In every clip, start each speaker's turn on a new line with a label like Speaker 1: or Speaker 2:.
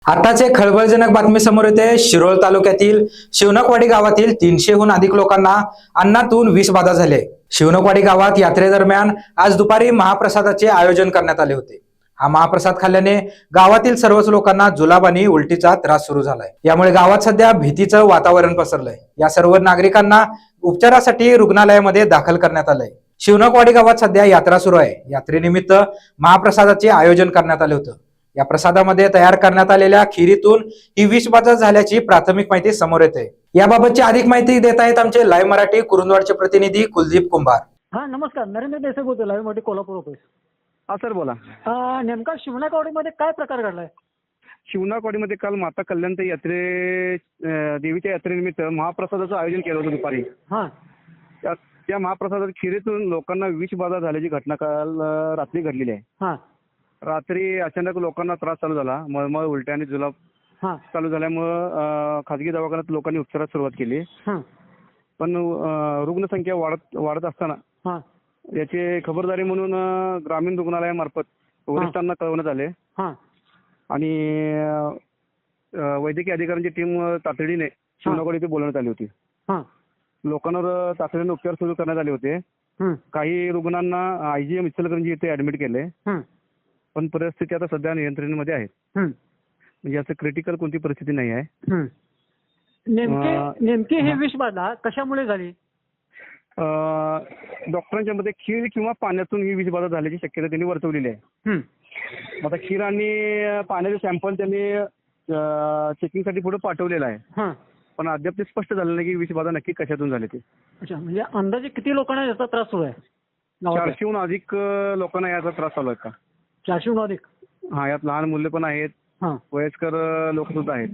Speaker 1: आताच एक खळबळजनक बातमी समोर येते. शिरोळ तालुक्यातील शिवणकवाडी गावातील 300हून अधिक लोकांना अन्नातून विषबाधा झाले. शिवणकवाडी गावात यात्रेदरम्यान आज दुपारी महाप्रसादाचे आयोजन करण्यात आले होते. हा महाप्रसाद खाल्ल्याने गावातील सर्वच लोकांना जुलाब आणि उलटीचा त्रास सुरू झालाय. यामुळे गावात सध्या भीतीचं वातावरण पसरलंय. या सर्व नागरिकांना उपचारासाठी रुग्णालयामध्ये दाखल करण्यात आलंय. शिवणकवाडी गावात सध्या यात्रा सुरू आहे. यात्रेनिमित्त महाप्रसादाचे आयोजन करण्यात आले होतं. या प्रसादामध्ये तयार करण्यात आलेल्या खिरीतून ही विषबाधा झाल्याची प्राथमिक माहिती समोर येते. याबाबतची अधिक माहिती देत आहेत आमचे लाईव्ह मराठी कुरुंदवाडचे प्रतिनिधी कुलदीप कुंभार.
Speaker 2: हा नमस्कार, नरेंद्र देसाई बोलतोय, लाईव्ह मराठी कोल्हापूर ऑफिस.
Speaker 3: हा सर बोला.
Speaker 2: नेमका शिवणकवाडीमध्ये काय प्रकार घडलाय?
Speaker 3: शिवणकवाडीमध्ये काल माता कल्याणच्या देवीच्या यात्रेनिमित्त महाप्रसादाचं आयोजन केलं होतं दुपारी.
Speaker 2: हा
Speaker 3: त्या महाप्रसादात खिरीतून लोकांना विषबाधा झाल्याची घटना काल रात्री घडलेली आहे.
Speaker 2: हा
Speaker 3: रात्री अचानक लोकांना त्रास चालू झाला, मळमळ, उलट्या आणि जुलाब
Speaker 2: हा
Speaker 3: चालू झाल्यामुळं खाजगी दवाखान्यात लोकांनी उपचारास सुरुवात केली.
Speaker 2: हा
Speaker 3: पण रुग्णसंख्या वाढत असताना
Speaker 2: हा
Speaker 3: याची खबरदारी म्हणून ग्रामीण रुग्णालयामार्फत वरिष्ठांना कळवण्यात आले
Speaker 2: हा
Speaker 3: आणि वैद्यकीय अधिकाऱ्यांची टीम तातडीने शिवणकवाडी इथे बोलवण्यात आली होती.
Speaker 2: हा
Speaker 3: लोकांवर तातडीने उपचार सुरू करण्यात आले होते. काही रुग्णांना आयजीएम इचलकरंजी इथे ऍडमिट केले, पण परिस्थिती आता सध्या नियंत्रणामध्ये आहे. म्हणजे असं क्रिटिकल कोणती परिस्थिती नाही आहे.
Speaker 2: नेमकी ही विषबाधा कशामुळे झाली?
Speaker 3: डॉक्टरांच्या मते खीर किंवा पाण्यातून ही विषबाधा झाल्याची शक्यता त्यांनी वर्तवलेली आहे. आता खीर आणि पाण्याचे सॅम्पल त्यांनी चेकिंगसाठी पुढे पाठवलेलं आहे, पण अद्याप ते स्पष्ट झालं नाही की विषबाधा नक्की कशातून झाली ते.
Speaker 2: अच्छा, म्हणजे अंदाजे किती लोकांना याचा त्रास सुरू आहे?
Speaker 3: 400हून अधिक लोकांना याचा त्रास चालू आहे का?
Speaker 2: 400हून अधिक?
Speaker 3: हा, यात लहान मुले पण आहेत, वयस्कर लोक सुद्धा आहेत.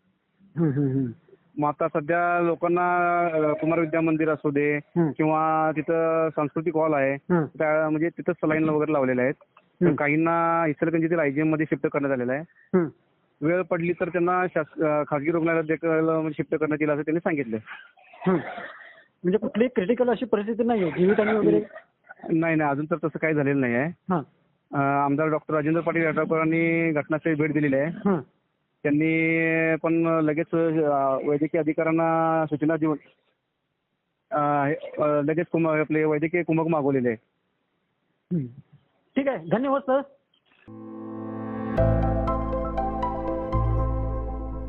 Speaker 3: मग आता सध्या लोकांना कुमार विद्या मंदिर असू दे किंवा तिथं सांस्कृतिक हॉल आहे, म्हणजे तिथं सलाईन वगैरे लावलेले आहेत. तर काहींना इचलकरंजीतील आयजीएम मध्ये शिफ्ट करण्यात आलेलं आहे. वेळ पडली तर त्यांना खासगी रुग्णालयात देखील शिफ्ट करण्यात येईल असं त्यांनी सांगितलं.
Speaker 2: म्हणजे कुठलीही क्रिटिकल अशी परिस्थिती नाही आहे जीवितहानी वगैरे?
Speaker 3: नाही, अजून तर तसं काही झालेलं नाही आहे. आमदार डॉक्टर राजेंद्र पाटील यड्रावकरांनी घटनास्थळी भेट दिलेली आहे. त्यांनी पण लगेच वैद्यकीय अधिकाऱ्यांना सूचना देऊन लगेच आपले वैद्यकीय कुमक मागवलेले आहे.
Speaker 2: ठीक आहे, धन्यवाद सर.